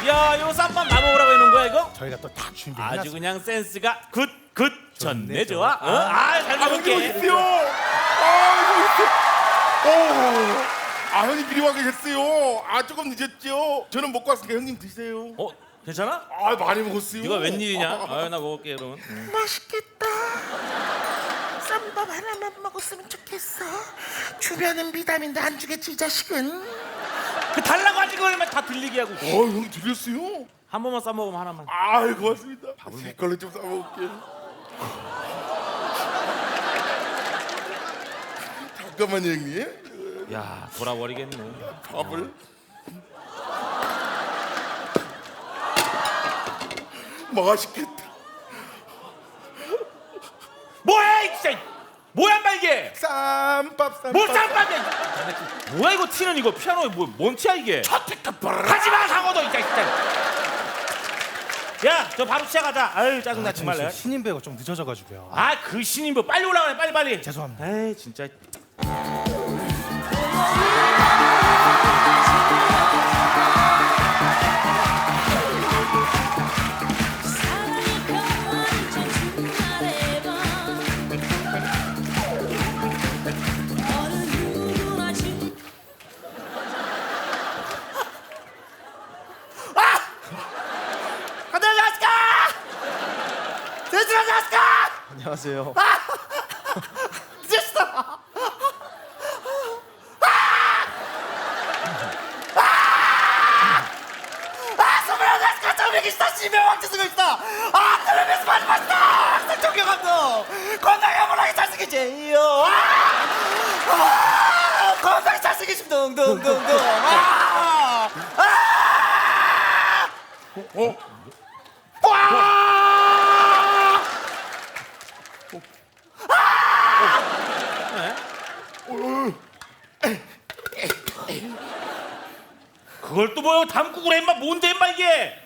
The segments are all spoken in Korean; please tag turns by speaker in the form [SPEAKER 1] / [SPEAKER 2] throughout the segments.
[SPEAKER 1] 야, 이거 쌈밥 나먹으라고 해놓은 거야 이거?
[SPEAKER 2] 저희가 또 다 준비해놨습니다.
[SPEAKER 1] 아주 그냥 센스가 굿 좋네 좋아. 어?
[SPEAKER 2] 좋아.
[SPEAKER 1] 잘
[SPEAKER 3] 형님
[SPEAKER 1] 먹을게.
[SPEAKER 3] 있어요. 형님 미리 와 계셨어요. 조금 늦었죠. 저는 먹고 왔으니까 형님 드세요.
[SPEAKER 1] 어, 괜찮아?
[SPEAKER 3] 많이 먹었어요.
[SPEAKER 1] 이거 웬일이냐? 나 먹을게 그러면.
[SPEAKER 4] 맛있겠다. 쌈밥 하나만 먹었으면 좋겠어. 주변은 비타민도 안 주겠지 이 자식은.
[SPEAKER 1] 그 달라고 하지 그러면 다 들리게 하고.
[SPEAKER 3] 형님 드렸어요.
[SPEAKER 1] 한 번만 싸 먹으면 하나만.
[SPEAKER 3] 고맙습니다. 제 걸로 좀 싸먹을게요. 잠깐만요 형님.
[SPEAKER 1] 야, 돌아버리겠네.
[SPEAKER 3] 밥을 맛있겠다.
[SPEAKER 1] 뭐야 이 진짜. 뭐야 인마 이게?
[SPEAKER 3] 쌈밥.
[SPEAKER 1] 뭐 쌈밥이야? 뭐야 이거 티는 이거 피아노에 뭔 티야 이게? 하지마 상어도 진짜. 야, 저 바로 시작하자. 아유 짜증나 정말.
[SPEAKER 2] 지금 신인 배우가 좀 늦어져가지고요.
[SPEAKER 1] 그 신인 뭐 빨리 올라가네 빨리.
[SPEAKER 2] 죄송합니다.
[SPEAKER 1] 에이 진짜.
[SPEAKER 2] 안녕하세요.
[SPEAKER 4] 건강히 잘생기심 둥둥둥둥.
[SPEAKER 1] 그걸 또 뭐야 담그고 그래 인마. 뭔데 인마 이게?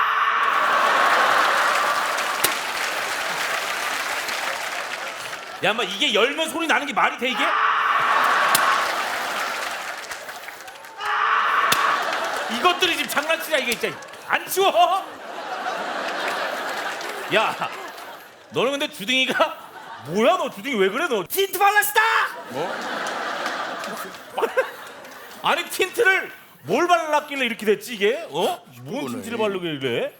[SPEAKER 1] 야 인마 이게 열면 소리 나는 게 말이 돼 이게? 이것들이 지금 장난치냐 이게 진짜. 안 치워? 야, 너는 근데 주둥이가 뭐야? 너 주둥이 왜 그래 너? 틴트 발랐다!
[SPEAKER 3] 뭐?
[SPEAKER 1] 아니 틴트를 뭘 발랐길래 이렇게 됐지 이게? 어? 뭔
[SPEAKER 3] 이거네.
[SPEAKER 1] 틴트를 바르길래?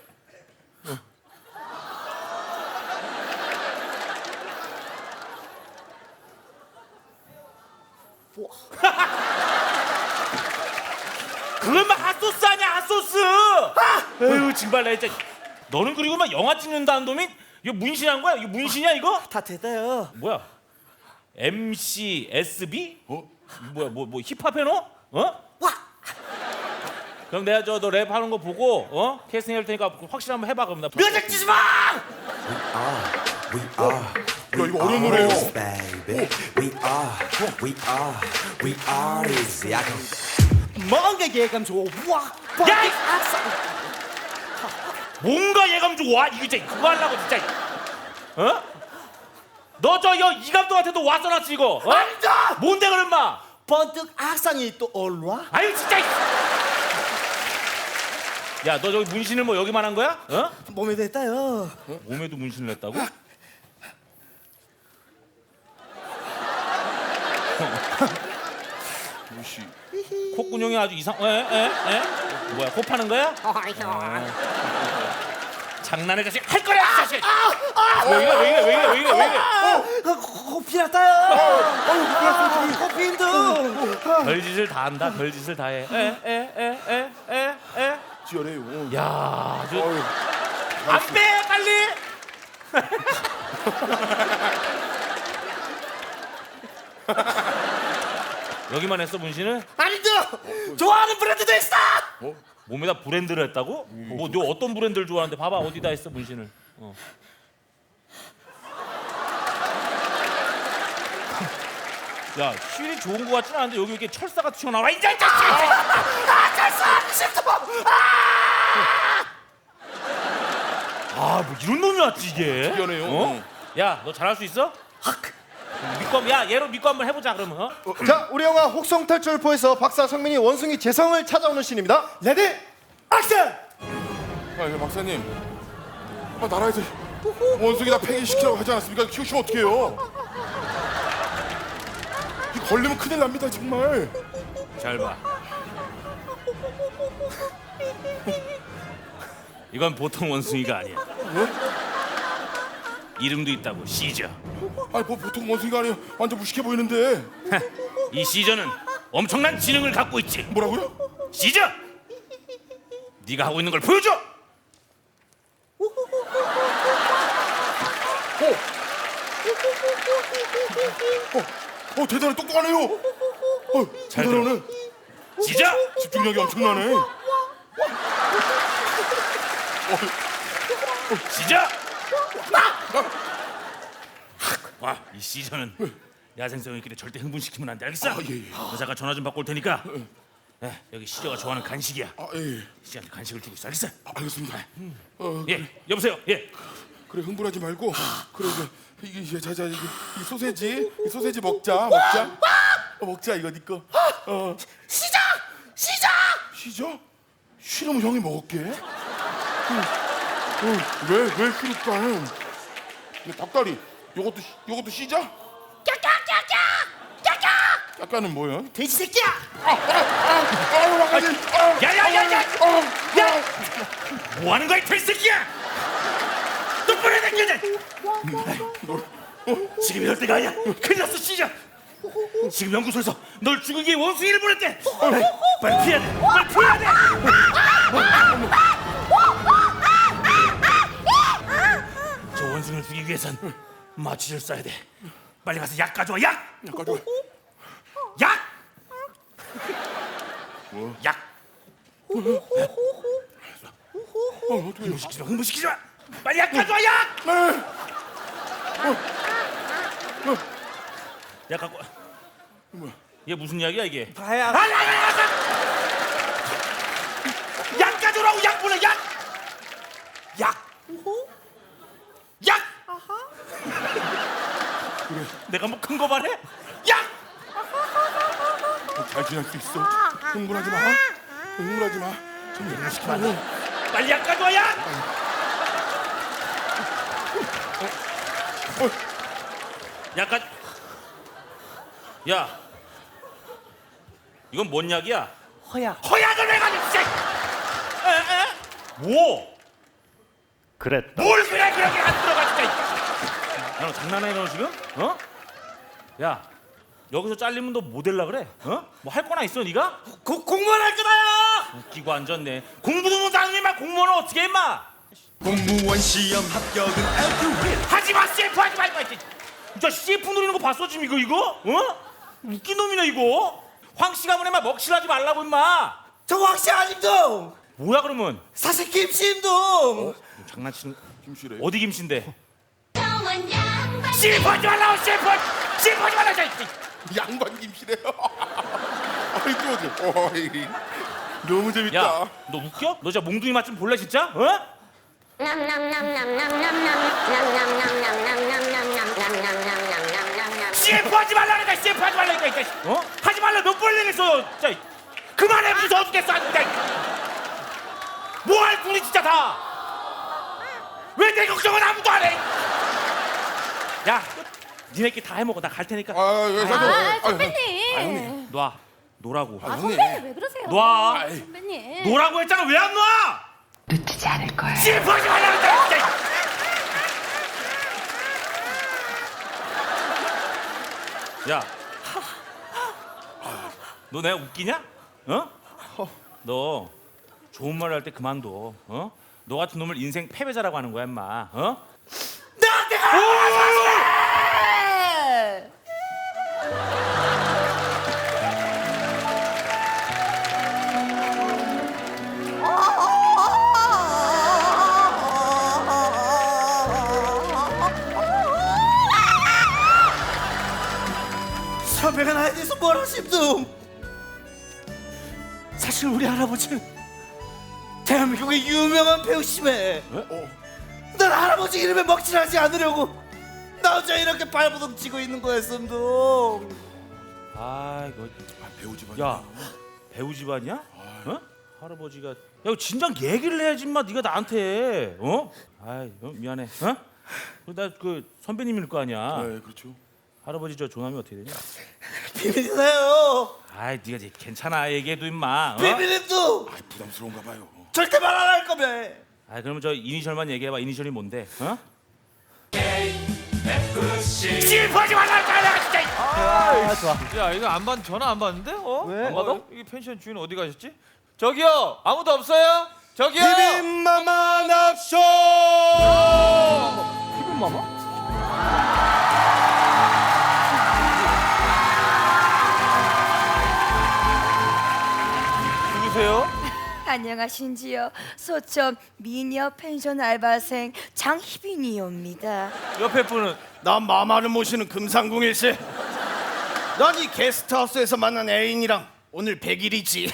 [SPEAKER 1] 그건 막 핫소스 아니야 핫소스! 에휴 정말 나 진짜. 너는 그리고 막 영화 찍는다는 놈이 이거 문신한 거야? 이거 문신이야 이거?
[SPEAKER 4] 다 됐어요.
[SPEAKER 1] 뭐야? MC SB? 뭐야 뭐 힙합 해너? 어?
[SPEAKER 4] 와.
[SPEAKER 1] 그럼 내가 너 랩 하는 거 보고 캐스팅 할 테니까 확실히 한번 해봐 그럼 나.
[SPEAKER 4] 뮤직 주지 마.
[SPEAKER 3] 야 이거 어려운 노래예요.
[SPEAKER 5] Baby, we are easy. I can
[SPEAKER 4] 뭔가 예감 좋아.
[SPEAKER 1] 야! 뭔가 예감 좋아? 이거 진짜 그거 하려고 진짜. 어? 너 저 이 감독한테도 왔어놨지 이거? 어?
[SPEAKER 4] 앉아!
[SPEAKER 1] 뭔데 그럼 마?
[SPEAKER 4] 번뜩 악상이 또 올라?
[SPEAKER 1] 아유 진짜. 야 너 저기 문신을 뭐 여기만 한 거야? 어?
[SPEAKER 4] 몸에 됐다요.
[SPEAKER 1] 몸에도 문신을 했다고?
[SPEAKER 3] 무시.
[SPEAKER 1] 콧구녕이 아주 이상. 에? 뭐야 코 파는 거야? 장난을 자식 할 거야 자식. 왜 이래?
[SPEAKER 4] 코피 났다요. 코피 힘들.
[SPEAKER 1] 별짓을 다 한다. 별짓을 다 해. 에.
[SPEAKER 3] 지어내요.
[SPEAKER 1] 야, 안 빼 빨리. 여기만 했어 문신을?
[SPEAKER 4] 아니죠. 좋아하는 브랜드도 있어.
[SPEAKER 1] 몸에다 브랜드를 했다고? 뭐 너 어떤 브랜드를 좋아하는데 봐봐 어디다 했어 문신을? 야 휠이 좋은 거 같지는 않은데 여기 이렇게 철사가 튀어나와. 이제 자식!
[SPEAKER 4] 철사 싫다.
[SPEAKER 1] 뭐 이런 놈이 왔지 이게?
[SPEAKER 3] 특이하네요.
[SPEAKER 1] 야 너 잘할 수 있어? 얘로 믿고 한번 해보자 그러면.
[SPEAKER 2] 자, 우리 영화 혹성탈출포에서 박사 성민이 원숭이 재성을 찾아오는 씬입니다. 레디 액션!
[SPEAKER 3] 박사님, 나라에서 원숭이 다 폐기시키라고 하지 않았습니까? 키우시면 어떡해요? 이 걸리면 큰일 납니다, 정말.
[SPEAKER 1] 잘 봐. 이건 보통 원숭이가 아니야. 이름도 있다고, 시저.
[SPEAKER 3] 아니 뭐 보통 원숭이가 아니에요. 완전 무식해 보이는데.
[SPEAKER 1] 이 시저는 엄청난 지능을 갖고 있지.
[SPEAKER 3] 뭐라고요?
[SPEAKER 1] 시저! 네가 하고 있는 걸 보여줘!
[SPEAKER 3] 대단해, 똑똑하네요.
[SPEAKER 1] 잘
[SPEAKER 3] 대단하네.
[SPEAKER 1] 시저!
[SPEAKER 3] 집중력이 엄청나네.
[SPEAKER 1] 시저! 와, 이 시저는 야생성이길래 절대 흥분시키면 안 돼, 알겠어?
[SPEAKER 3] 예.
[SPEAKER 1] 여자가 전화 좀 받고 올 테니까 여기 시저가 좋아하는 간식이야.
[SPEAKER 3] 예.
[SPEAKER 1] 시저한테 간식을 주고 있어, 알겠어?
[SPEAKER 3] 알겠습니다.
[SPEAKER 1] 예, 여보세요. 예.
[SPEAKER 3] 그래, 흥분하지 말고. 그래, 이게 자자 이 소세지 먹자. 먹자, 이거 네 거.
[SPEAKER 4] 시작! 시작!
[SPEAKER 3] 쉬죠? 쉬려면 형이 먹을게. 왜 쉬니까? 닭다리, 요것도 쉬자. 까까는 뭐야?
[SPEAKER 4] 돼지 새끼야!
[SPEAKER 1] 야야야야! 야! 뭐 하는 거야, 이 돼지새끼야! 똑바로 당겨야 지금 이럴 때가 아니야. 큰일 났어, 시저. 지금 연구소에서 널 죽이기 위해 원숭이를 보냈대. 빨리 피해야 돼. 빨리 피해야 돼. 저 원숭이를 죽이기 위해선 마취를 써야 돼. 빨리 가서 약 가져와. 약. 약. 약. 흥분시키지 마. 흥분시키지 마. 빨리 약 가져와. 약. 약 갖고. 이게 무슨 약이야 이게?
[SPEAKER 4] 다야.
[SPEAKER 1] 약 가져오라고. 약 보내. 약. 약. 그래. 내가 뭐 큰 거 말해? 약.
[SPEAKER 3] 잘 지낼 수 있어. 흥분하지 마. 좀
[SPEAKER 1] 시키면 안 돼. 빨리 약 가져와. 약. 약간. 야, 이건 뭔 약이야?
[SPEAKER 4] 허약.
[SPEAKER 1] 허약을 왜 가지고? 뭐?
[SPEAKER 2] 그랬다.
[SPEAKER 1] 뭘 그래 그렇게 안 들어가 진짜. 야, 너 장난해 너 지금? 어? 야, 여기서 잘리면 너 뭐 될라 그래? 어? 뭐 할 거나 있어 네가?
[SPEAKER 4] 공무원 할 거다요!
[SPEAKER 1] 웃기고 앉았네. 공부도 못하는 임마 공무원은 어떻게 해 임마?
[SPEAKER 5] 공무원 시험 합격은 엘프윌.
[SPEAKER 1] 하지마 CF 하지마 임마. 저 CF 누리는 거 봤어 지금 이거? 어? 웃긴 놈이네 이거. 황씨 가문에 막 먹칠하지 말라고 임마.
[SPEAKER 4] 저 황씨 아직도
[SPEAKER 1] 뭐야 그러면?
[SPEAKER 4] 사실 김씨임도
[SPEAKER 1] 장난치는.
[SPEAKER 3] 김씨래.
[SPEAKER 1] 어디 김씨인데? CF 하지 말라고. CF 하지 말라고.
[SPEAKER 3] 양반 김씨래요. 아이고, 너무 재밌다.
[SPEAKER 1] 야, 너 웃겨? 너 진짜 몽둥이 맛 좀 볼래 진짜? 어? CF 하지 말라니까. CF 하지 말라니까. 어? 하지 말라. 몇 번 얘기했어. 진짜 그만해. 무서워 죽겠어. 진짜. 뭐할 둘이 진짜 다. 왜 내 걱정은 아무도 안 해? 야, 니네끼리 다 해먹어. 나 갈 테니까.
[SPEAKER 6] 선배님.
[SPEAKER 1] 놔. 노라고.
[SPEAKER 6] 선배님 왜 그러세요?
[SPEAKER 1] 놔.
[SPEAKER 6] 선배님.
[SPEAKER 1] 노라고 했잖아. 왜 안 놔?
[SPEAKER 6] 놓치지 않을 거예요.
[SPEAKER 1] CF 하지 말라니까. 진짜. 야, 너 내가 웃기냐? 어? 너 좋은 말 할 때 그만둬. 어? 너 같은 놈을 인생 패배자라고 하는 거야, 임마. 어?
[SPEAKER 4] 나한테 선배가 나에 대해서 뭐라 싶둥. 사실 우리 할아버지는 대한민국의 유명한 배우심에 난 할아버지 이름에 먹칠하지 않으려고 나 혼자 이렇게 발버둥 치고 있는 거였음둥.
[SPEAKER 1] 아, 이거
[SPEAKER 3] 배우 집안.
[SPEAKER 1] 야, 배우 집안이야? 어? 할아버지가 야 진작 얘기를 해야지 마 네가 나한테 어? 아이 미안해 어? 나 그 선배님일 거 아니야.
[SPEAKER 3] 네, 그렇죠.
[SPEAKER 1] 할아버지 저 종함이 어떻게 되냐?
[SPEAKER 4] 비밀이세요.
[SPEAKER 1] 아이 네가 이제 괜찮아 얘기해도 임마. 어?
[SPEAKER 4] 비밀도
[SPEAKER 3] 아, 부담스러운가 봐요.
[SPEAKER 4] 절대 말 안 할 거며.
[SPEAKER 1] 아 그러면 저 이니셜만 얘기해봐. 이니셜이 뭔데? 어?
[SPEAKER 7] 실퍼지 말랄까 내가 진짜.
[SPEAKER 8] 야 이거 안 받 전화 안 받는데? 어?
[SPEAKER 4] 왜?
[SPEAKER 8] 안 받아? 이게 펜션 주인 어디 가셨지? 저기요 아무도 없어요? 저기요.
[SPEAKER 4] 비빔마마 납쇼.
[SPEAKER 8] 누구세요?
[SPEAKER 6] 안녕하신지요. 소천 미녀 펜션 알바생 장희빈이옵니다.
[SPEAKER 8] 옆에 분은
[SPEAKER 4] 난 마마를 모시는 금상궁일세. 난 이 게스트하우스에서 만난 애인이랑 오늘 100일이지.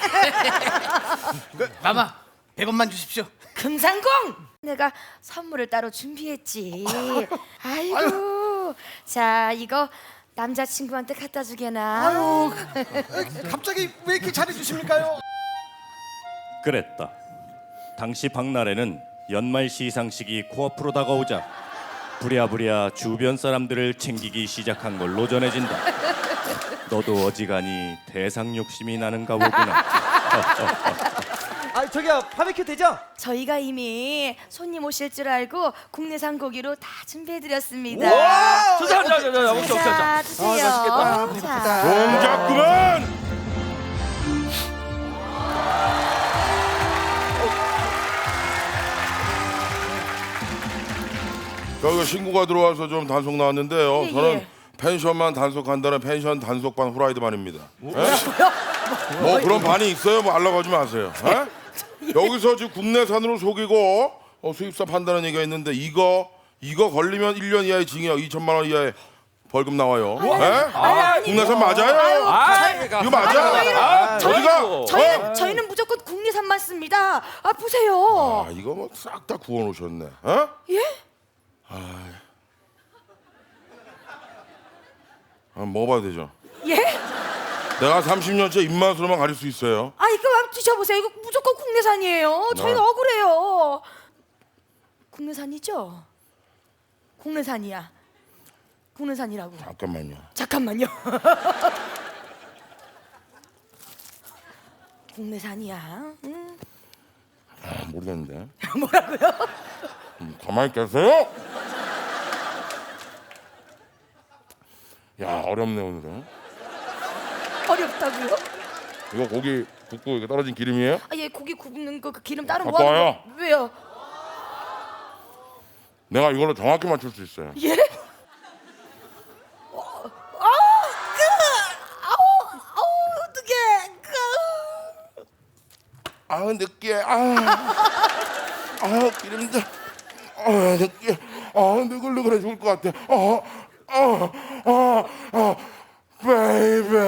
[SPEAKER 4] 마마 100원만 주십시오.
[SPEAKER 6] 금상공! 내가 선물을 따로 준비했지. 아이고. 자, 이거 남자친구한테 갖다 주게나.
[SPEAKER 4] 아유, 갑자기 왜 이렇게 잘해주십니까요?
[SPEAKER 2] 그랬다. 당시 박나래는 연말 시상식이 코앞으로 다가오자 부랴부랴 주변 사람들을 챙기기 시작한 걸로 전해진다. 너도 어지간히 대상 욕심이 나는가 보구나.
[SPEAKER 4] 아 저기요 바베큐 되죠?
[SPEAKER 6] 저희가 이미 손님 오실 줄 알고 국내산 고기로 다 준비해드렸습니다.
[SPEAKER 8] 자 먹자.
[SPEAKER 6] 자, 드세요. 자,
[SPEAKER 3] 동작 그만! 저희가 신고가 들어와서 좀 단속 나왔는데요.
[SPEAKER 6] 예,
[SPEAKER 3] 저는
[SPEAKER 6] 예.
[SPEAKER 3] 펜션만 단속한다는 펜션 단속반 후라이드만입니다. 뭐 그런 반이 있어요? 뭐 알라가지 마세요. 에? 여기서 지금 국내산으로 속이고 수입사 판다는 얘기가 있는데 이거 걸리면 1년 이하의 징역 2천만 원 이하의 벌금 나와요. 에? 국내산 맞아요? 이거 맞아? 어디가?
[SPEAKER 6] 저희는 무조건 국내산만 씁니다. 아, 보세요.
[SPEAKER 3] 아 이거 뭐 싹 다 구워놓으셨네. 어?
[SPEAKER 6] 예?
[SPEAKER 3] 먹어봐도 되죠?
[SPEAKER 6] 예?
[SPEAKER 3] 내가 30년째 입맛으로만 가릴 수 있어요.
[SPEAKER 6] 아, 이거 한번 드셔보세요. 이거 무조건 국내산이에요. 저희는
[SPEAKER 3] 네.
[SPEAKER 6] 억울해요. 국내산이죠? 국내산이야. 국내산이라고.
[SPEAKER 3] 잠깐만요.
[SPEAKER 6] 잠깐만요. 국내산이야. 응?
[SPEAKER 3] 모르겠는데.
[SPEAKER 6] 뭐라고요?
[SPEAKER 3] 가만히 계세요. 야 어렵네 오늘은.
[SPEAKER 6] 어렵다고요?
[SPEAKER 3] 이거 고기 굽고 이게 떨어진 기름이에요?
[SPEAKER 6] 아, 얘 고기 굽는 거 그 기름 따로
[SPEAKER 3] 갖고
[SPEAKER 6] 뭐 하는
[SPEAKER 3] 와요.
[SPEAKER 6] 거? 왜요?
[SPEAKER 3] 내가 이걸로 정확히 맞출 수 있어요.
[SPEAKER 6] 예? 어떡해.
[SPEAKER 3] 느끼해. 기름져. 느끼해. 느글느글해 죽을 것 같아. 베이베.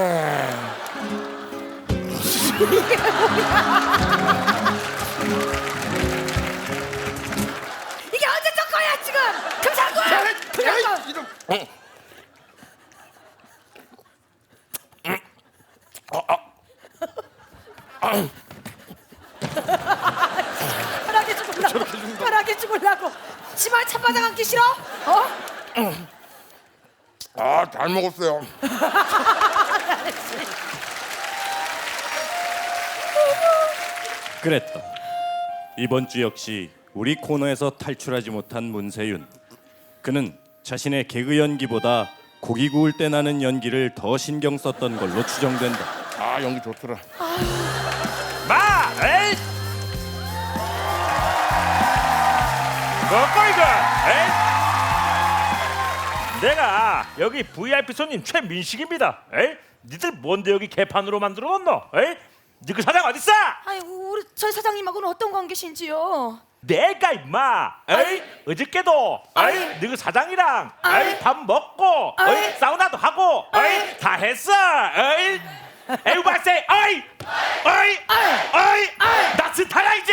[SPEAKER 6] 이게 언제 적 거야 지금? 금상구야! 금상구! 편하게 죽으려고. 편하게 죽으려고. 치마 찬바닥 앉기 싫어?
[SPEAKER 3] 잘 먹었어요.
[SPEAKER 2] 그랬다. 이번 주 역시 우리 코너에서 탈출하지 못한 문세윤. 그는 자신의 개그 연기보다 고기 구울 때 나는 연기를 더 신경 썼던 걸로 추정된다.
[SPEAKER 3] 연기 좋더라.
[SPEAKER 7] 마, 에이. 먹고 이거, 에이. 내가 여기 VIP 손님 최민식입니다. 에이, 니들 뭔데 여기 개판으로 만들어놨노? 에이, 니그 사장 어딨어?
[SPEAKER 6] 아니, 우리 저희 사장님하고는 어떤 관계신지요?
[SPEAKER 7] 내가 임마, 에이, 어저께도, 에이, 너그 사장이랑, 에이, 밥 먹고, 에이, 사우나도 하고, 에이, 다 했어, 에이. 에우바세, 어이, 어이, 어이, 나 스타야 이제.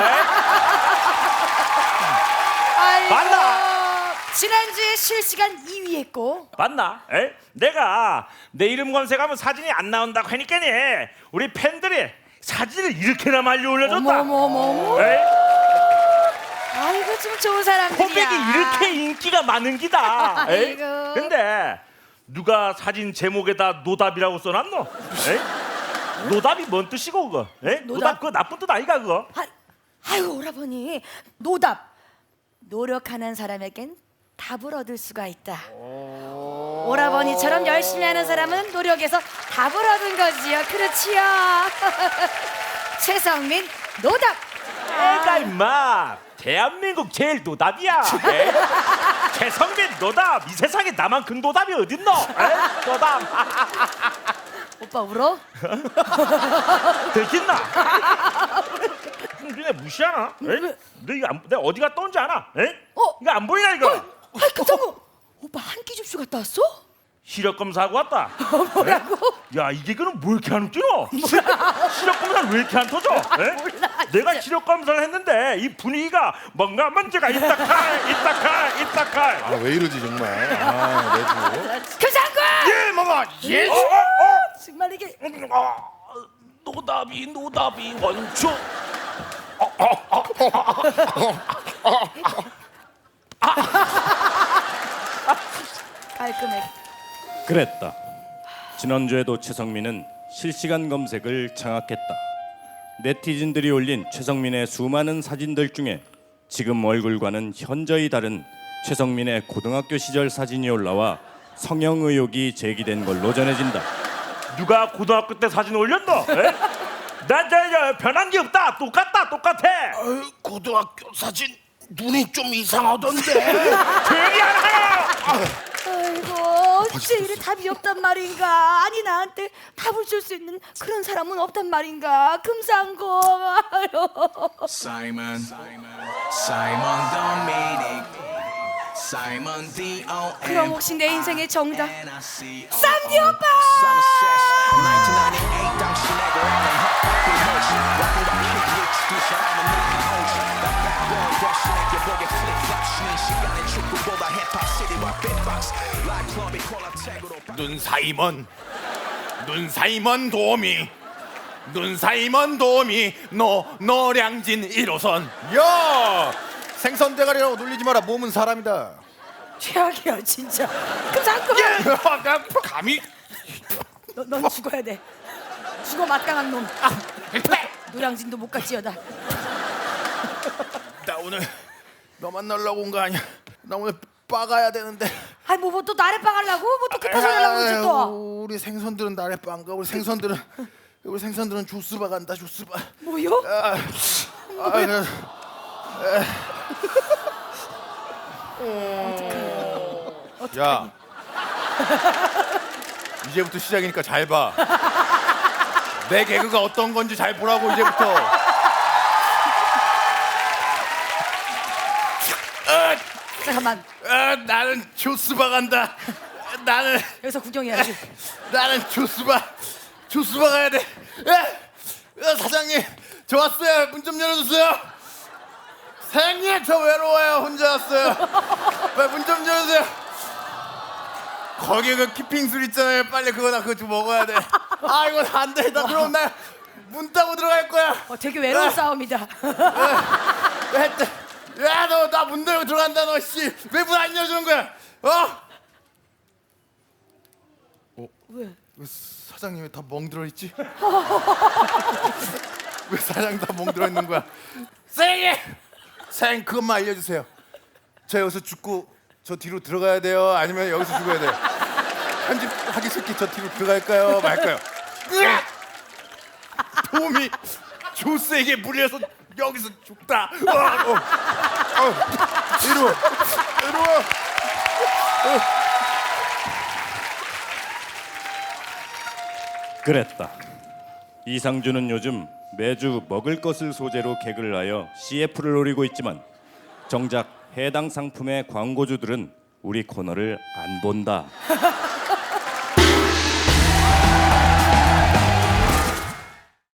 [SPEAKER 6] 아이고,
[SPEAKER 7] 맞나?
[SPEAKER 6] 지난주에 실시간 2위 했고.
[SPEAKER 7] 맞나? 에? 내가 내 이름 검색하면 사진이 안 나온다고 하니까니 우리 팬들이 사진을 이렇게나 많이 올려줬다.
[SPEAKER 6] 어머머머머.
[SPEAKER 7] 에이?
[SPEAKER 6] 아이고 좀 좋은 사람들이야.
[SPEAKER 7] 코백이 이렇게 인기가 많은 기다. 에이?
[SPEAKER 6] 아이고.
[SPEAKER 7] 근데 누가 사진 제목에다 노답이라고 써놨노? 에이? 노답이 뭔 뜻이고 그거? 에이? 노답 그거 나쁜 뜻 아이가 그거?
[SPEAKER 6] 아이고 오라버니 노답. 노력하는 사람에겐 답을 얻을 수가 있다. 오라버니처럼 열심히 하는 사람은 노력에서 답을 얻은 거지요. 그렇지요. 최성민 노답.
[SPEAKER 7] 애가 임마 대한민국 제일 노답이야. 에이? 최성민 노답. 이 세상에 나만큼 노답이 어딨노? 에이? 노답.
[SPEAKER 6] 오빠 울어?
[SPEAKER 7] 들켰나? 니네 무시하나? 에이? 너 이거 안, 내가 어디 갔다 온지 아나? 에이? 이거 안 보이나 이거?
[SPEAKER 6] 아이 그정우 오빠 한 끼 줍쇼 갔다 왔어?
[SPEAKER 7] 시력 검사하고 왔다.
[SPEAKER 6] 뭐라고?
[SPEAKER 7] 야 이게 그럼 뭐 이렇게 안 뛰노? 시력 검사를 왜 이렇게 안 터져? 에?
[SPEAKER 6] 몰라,
[SPEAKER 7] 내가
[SPEAKER 6] 진짜.
[SPEAKER 7] 시력 검사를 했는데 이 분위기가 뭔가 문제가 있다칼.
[SPEAKER 3] 아 왜 이러지 정말. 아 내주.
[SPEAKER 6] 교장군!
[SPEAKER 7] 예 먹어. 예.
[SPEAKER 6] 정말 이게
[SPEAKER 1] 노답이 원초.
[SPEAKER 6] 깔끔해.
[SPEAKER 2] 그랬다. 지난주에도 최성민은 실시간 검색을 장악했다. 네티즌들이 올린 최성민의 수많은 사진들 중에 지금 얼굴과는 현저히 다른 최성민의 고등학교 시절 사진이 올라와 성형 의혹이 제기된 걸로 전해진다.
[SPEAKER 7] 누가 고등학교 때 사진 올렸노? 에? 난 변한 게 없다. 똑같아.
[SPEAKER 3] 고등학교 사진 눈이 좀 이상하던데.
[SPEAKER 7] 조용히 하라.
[SPEAKER 6] 아이고 어째 이래 답이 없단 말인가. 아니 나한테 답을 줄 수 있는 그런 사람은 없단 말인가. 금상고.
[SPEAKER 5] Simon Dominic Simon D.O.M.
[SPEAKER 6] 그럼 혹시 내 인생의 정답
[SPEAKER 5] 쌈디
[SPEAKER 6] 쌈디 오빠!
[SPEAKER 5] 1998 당시 내가 원한 헛바퀴 홀씨 Rockin' by Kid Rich 두 사람은 느끼 홀씨 다시 내게 보게 flip-flop 쉬는 시간에 축구보다 힙합 시리와 beatbox Like club이 콜라텍으로
[SPEAKER 8] 눈 사이먼 도우미 노량진 1호선. 야 생선 대가리라고 놀리지 마라. 몸은 사람이다.
[SPEAKER 6] 최악이야 진짜. 금상고.
[SPEAKER 8] 감히
[SPEAKER 6] 넌 죽어야 돼. 죽어 마땅한 놈. 노량진도 못 갔지여다.
[SPEAKER 8] 나 오늘 너 만나려고 온 거 아니야. 나 오늘 빠가야 되는데.
[SPEAKER 6] 아이 뭐 또 나래 빵하려고? 뭐 또 급해서 하려고 그러지 또.
[SPEAKER 8] 우리 생선들은 나래 빵가. 우리 생선들은 주스바 간다. 주스바.
[SPEAKER 6] 뭐요?
[SPEAKER 8] 야 이제부터 시작이니까 잘 봐. 내 개그가 어떤 건지 잘 보라고 이제부터.
[SPEAKER 6] 잠깐만
[SPEAKER 8] 나는 주스바 간다.
[SPEAKER 6] 여기서 구경해야지.
[SPEAKER 8] 나는 주스바 가야 돼. 사장님 저 왔어요. 문 좀 열어주세요. 사장님 저 외로워요. 혼자 왔어요. 문 좀 열어주세요. 거기 그 키핑술 있잖아요. 빨리 그거 좀 먹어야 돼. 아 이거 안 돼. 나 그럼 나 문 따고 들어갈 거야.
[SPEAKER 6] 되게 외로운 싸움이다.
[SPEAKER 8] 야 너 나 문 열고 들어간다. 너 씨 왜 문 안 열어주는 거야?
[SPEAKER 6] 왜?
[SPEAKER 8] 사장님 왜 다 멍들어 있지? 왜 사장 다 멍들어 있는 거야? 사장님 그것만 알려주세요. 저 여기서 죽고 저 뒤로 들어가야 돼요? 아니면 여기서 죽어야 돼요? 편집하기 싫게 저 뒤로 들어갈까요? 말까요? 돔이 조스에게 물려서 여기서 죽다. 이리 와.
[SPEAKER 2] 그랬다. 이상준은 요즘 매주 먹을 것을 소재로 개그를 하여 CF를 노리고 있지만 정작 해당 상품의 광고주들은 우리 코너를 안 본다.